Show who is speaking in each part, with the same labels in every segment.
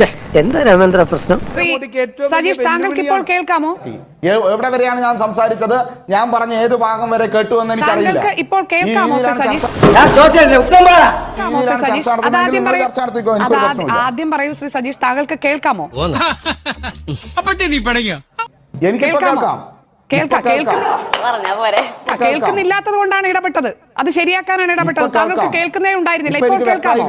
Speaker 1: എന്താ രാമേന്ദ്ര പ്രശ്നം?
Speaker 2: സജീഷ്, താങ്കൾക്ക് ഇപ്പോൾ കേൾക്കാമോ?
Speaker 3: എവിടെ വരെയാണ് ഞാൻ സംസാരിച്ചത്? ഞാൻ പറഞ്ഞ ഏത് ഭാഗം വരെ കേട്ടു എന്ന് എനിക്കറിയില്ല.
Speaker 2: ഇപ്പോൾ കേൾക്കാമോ സജീഷ്? ആദ്യം പറയൂ ശ്രീ സജീഷ്, താങ്കൾക്ക് കേൾക്കാമോ?
Speaker 3: എനിക്കിപ്പോ കേൾക്കാം.
Speaker 2: കേൾക്കുന്നില്ലാത്തത് കൊണ്ടാണ് ഇടപെട്ടത്. അത് ശരിയാക്കാനാണ് ഇടപെട്ടത്. താങ്കൾക്ക് കേൾക്കുന്നേ ഉണ്ടായിരുന്നില്ല. ഇപ്പോൾ കേൾക്കാമോ?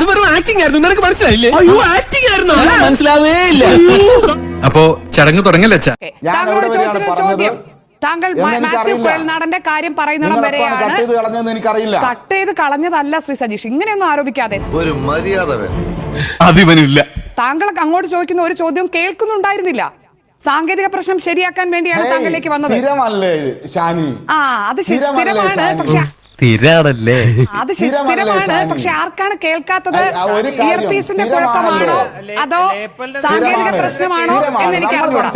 Speaker 4: അപ്പോ ചടങ്ങ് തുടങ്ങല്ലേ?
Speaker 2: താങ്കളോട് ചോദിച്ച ചോദ്യം, താങ്കൾ മാത്യു കുഴൽനാടന്റെ കാര്യം പറയുന്നിടം വരെയാണ്. കട്ട് ചെയ്ത് കളഞ്ഞതല്ല ശ്രീ സജീഷ്, ഇങ്ങനെയൊന്നും ആരോപിക്കാതെ.
Speaker 5: ഒരു മര്യാദ
Speaker 2: താങ്കൾ അങ്ങോട്ട് ചോദിക്കുന്ന ഒരു ചോദ്യം കേൾക്കുന്നുണ്ടായിരുന്നില്ല. സാങ്കേതിക പ്രശ്നം ശരിയാക്കാൻ വേണ്ടിയാണ് താങ്കളിലേക്ക് വന്നത്. അത് സ്ഥിരമാണ്, പക്ഷെ ആർക്കാണ് കേൾക്കാത്തത്? ഇയർപീസിന്റെ കുഴപ്പമാണോ അതോ സാങ്കേതിക പ്രശ്നമാണോ എന്ന് എനിക്ക് അറിഞ്ഞൂടാ.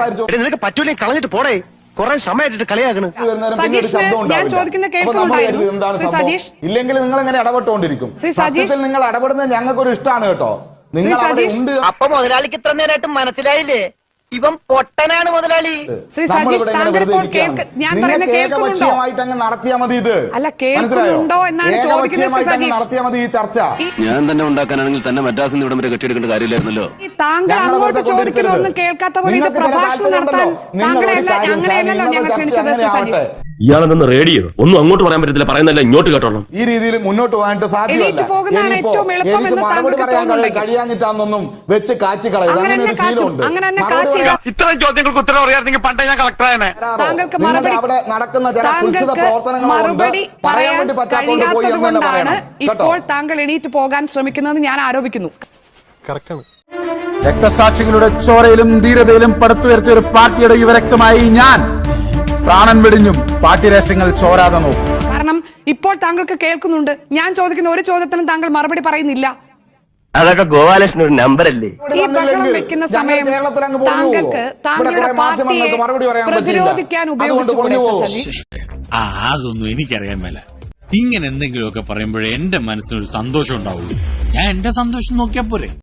Speaker 2: സജീഷ്, ഞാൻ ചോദിക്കുന്ന കേൾക്കുന്നുണ്ടായിരുന്നു ശ്രീ സജീഷ്.
Speaker 3: ഇല്ലെങ്കിൽ നിങ്ങൾ ഇങ്ങനെ ഇടപെട്ടുകൊണ്ടിരിക്കും. നിങ്ങൾ ഇടപെടുന്നത് ഞങ്ങൾക്ക് ഒരു ഇഷ്ടമാണ് കേട്ടോ. നിങ്ങൾ
Speaker 1: അപ്പൊ മുതലാളിക്ക് ഇത്ര നേരമായിട്ട് മനസ്സിലായില്ലേ? ഇവൻ പൊട്ടനാണ് മുതലാളി.
Speaker 3: ഏകപക്ഷീയമായിട്ട് അങ്ങ് നടത്തിയാൽ മതി. ഇത്
Speaker 2: അല്ല, കേൾക്കുന്നുണ്ടോ എന്നാണ് ചോദിക്കുന്നത്.
Speaker 3: നടത്തിയാൽ മതി ഈ ചർച്ച.
Speaker 5: ഞാൻ തന്നെ ഉണ്ടാക്കാനാണെങ്കിൽ തന്നെ മദ്രാസിൽ നിന്ന് ഇവിടം വരെ കെട്ടിയെടുക്കേണ്ട കാര്യമില്ലായിരുന്നല്ലോ.
Speaker 2: താങ്കൾ അങ്ങോട്ട് ചോദിക്കുന്നതൊന്നും കേൾക്കാത്ത പോലെ പ്രഭാഷണം നടത്താൻ അങ്ങനെയല്ലല്ലോ ഞങ്ങൾ ക്ഷണിച്ചത്.
Speaker 6: ഇയാളെന്ന് റേഡിയോ ഒന്നും അങ്ങോട്ട് പറയാൻ പറ്റത്തില്ല, പറയുന്നല്ല ഇങ്ങോട്ട് കേട്ടോളാം.
Speaker 3: ഈ രീതിയിൽ മുന്നോട്ട് പോകാനായിട്ട് സാധ്യമല്ല. എനിക്ക് മറുപടി പറയാൻ കഴിയാഞ്ഞിട്ടാണെന്നൊന്നും വെച്ച് കാച്ചി കളയുക, അങ്ങനെ ഒരു ശീലമുണ്ട്.
Speaker 4: ഇത്തരം ചോദ്യങ്ങൾക്ക് ഉത്തരം അറിയാമെങ്കിൽ പണ്ടേ ഞാൻ കളക്ടറാണ്.
Speaker 3: നിങ്ങളുടെ അവിടെ നടക്കുന്ന ചില കുൽസിത പ്രവർത്തനങ്ങളുണ്ട്, പറയാൻ വേണ്ടി പറ്റാത്തോണ്ട് പോയി എന്നല്ല പറയണം.
Speaker 2: ഇപ്പോൾ താങ്കൾ എണീറ്റ് പോകാൻ ശ്രമിക്കുന്നതെന്ന് ഞാൻ ആരോപിക്കുന്നു.
Speaker 7: രക്തസാക്ഷികളുടെ ചോരയിലും ധീരതയിലും പടുത്തുയർത്തിയ ഒരു പാർട്ടിയുടെ യുവരക്തമായി ഞാൻ പ്രാണൻ വെടിഞ്ഞും പാർട്ടി രഹസ്യങ്ങൾ ചോരാതെ നോക്കും.
Speaker 2: കാരണം ഇപ്പോൾ താങ്കൾക്ക് കേൾക്കുന്നുണ്ട്. ഞാൻ ചോദിക്കുന്ന ഒരു ചോദ്യത്തിനും താങ്കൾ മറുപടി പറയുന്നില്ല.
Speaker 6: അതൊക്കെ ഗോപാലകൃഷ്ണൻ ഒരു നമ്പർ അല്ലേ?
Speaker 2: ഈ ബഹളം വെക്കുന്ന സമയം താങ്കൾക്ക് താങ്കളുടെ പാർട്ടിയെ പ്രതിരോധിക്കാൻ ഉപയോഗിച്ചുകൂടെ സജീഷ്?
Speaker 8: അതൊന്നും എനിക്കറിയാൻ മേല. ഇങ്ങനെ എന്തെങ്കിലുമൊക്കെ പറയുമ്പോഴേ എന്റെ മനസ്സിനൊരു സന്തോഷം ഉണ്ടാവുള്ളൂ. ഞാൻ എന്റെ സന്തോഷം നോക്കിയാ പോരെ.